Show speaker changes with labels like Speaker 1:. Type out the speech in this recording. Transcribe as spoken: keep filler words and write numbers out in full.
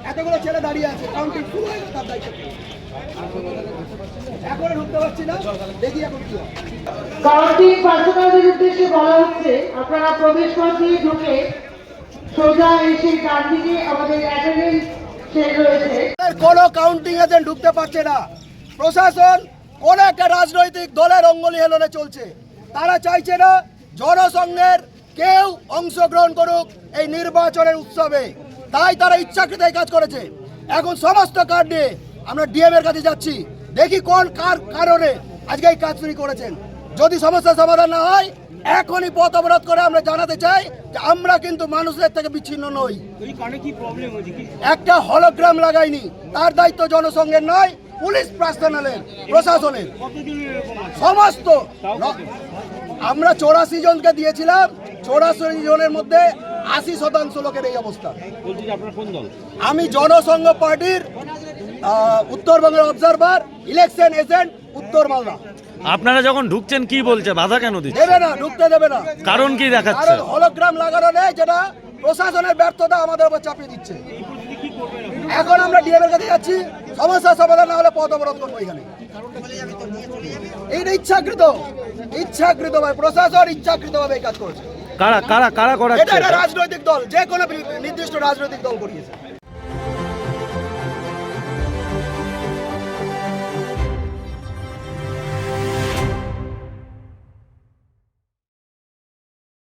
Speaker 1: এতগুলো ছেলে দাঁড়িয়ে আছে, কাউন্টিং শুরু হয়ে গেছে, তার দায়িত্ব এখন ঢুকতে পারছি না, দেখি এখন কি হয়।
Speaker 2: কাউন্টিং পার্সোনালদের উদ্দেশ্যে বলা হচ্ছে আপনারা প্রবেশ পথ দিয়ে ঢুকে সোজা এসে ডান দিকে আমাদের অ্যাটেন্ডেন্স শেড রয়েছে।
Speaker 1: কোনো কাউন্টিং এজেন্ট ঢুকতে পারছে না। প্রশাসন কোন একটা রাজনৈতিক দলের অঙ্গুলি হেলনে চলছে। তারা চাইছে না জনসংঘের কেউ অংশগ্রহণ করুক এই নির্বাচনের উৎসবে, তাই তারা ইচ্ছাকৃত এই কাজ করেছে। এখন সমস্ত কার্ড নিয়ে আমরা ডিএম এর কাছে যাচ্ছি, দেখি কোন কার কারণে আজকে এই কাজ চুরি করেছেন। যদি সমস্যার সমাধান না হয় এখনই পথ অবরোধ করে আমরা জানাতে চাই যে আমরা কিন্তু মানুষের থেকে বিচ্ছিন্ন নই। একটা হলোগ্রাম লাগাইনি, তার দায়িত্ব জনসংঘের নয়, পুলিশ পার্সোনালের, প্রশাসনের সমস্ত। আমরা চৌরাশি জনকে দিয়েছিলাম, চৌরাশি জনের মধ্যে আশি শতাংশ লোকের এই অবস্থা। আমি জনসংঘ পার্টির উত্তরবঙ্গের অবজারভার, ইলেকশন এজেন্ট উত্তর মালদা।
Speaker 3: আপনারা যখন ঢুকছেন কি বলছে, বাধা কেন দিচ্ছে?
Speaker 1: দেবে না, ঢুকতে দেবে না।
Speaker 3: কারণ কি দেখাচ্ছে?
Speaker 1: কারণ হলোগ্রাম লাগানো নেই, যেটা প্রশাসনের ব্যর্থতা আমাদের উপর চাপিয়ে দিচ্ছে। এখন আমরা ডিএম এর কাছে যাচ্ছি, সমস্যার সমাধান না হলে পথ অবরোধ করবো এখানে। এইটা ইচ্ছাকৃত, ইচ্ছাকৃত ভাবে প্রশাসন ইচ্ছাকৃত ভাবে এই কাজ করেছে।
Speaker 3: কারা কারা কারা করাচ্ছে?
Speaker 1: এটা একটা রাজনৈতিক দল, যে কোনো নির্দিষ্ট রাজনৈতিক দল করিয়েছে।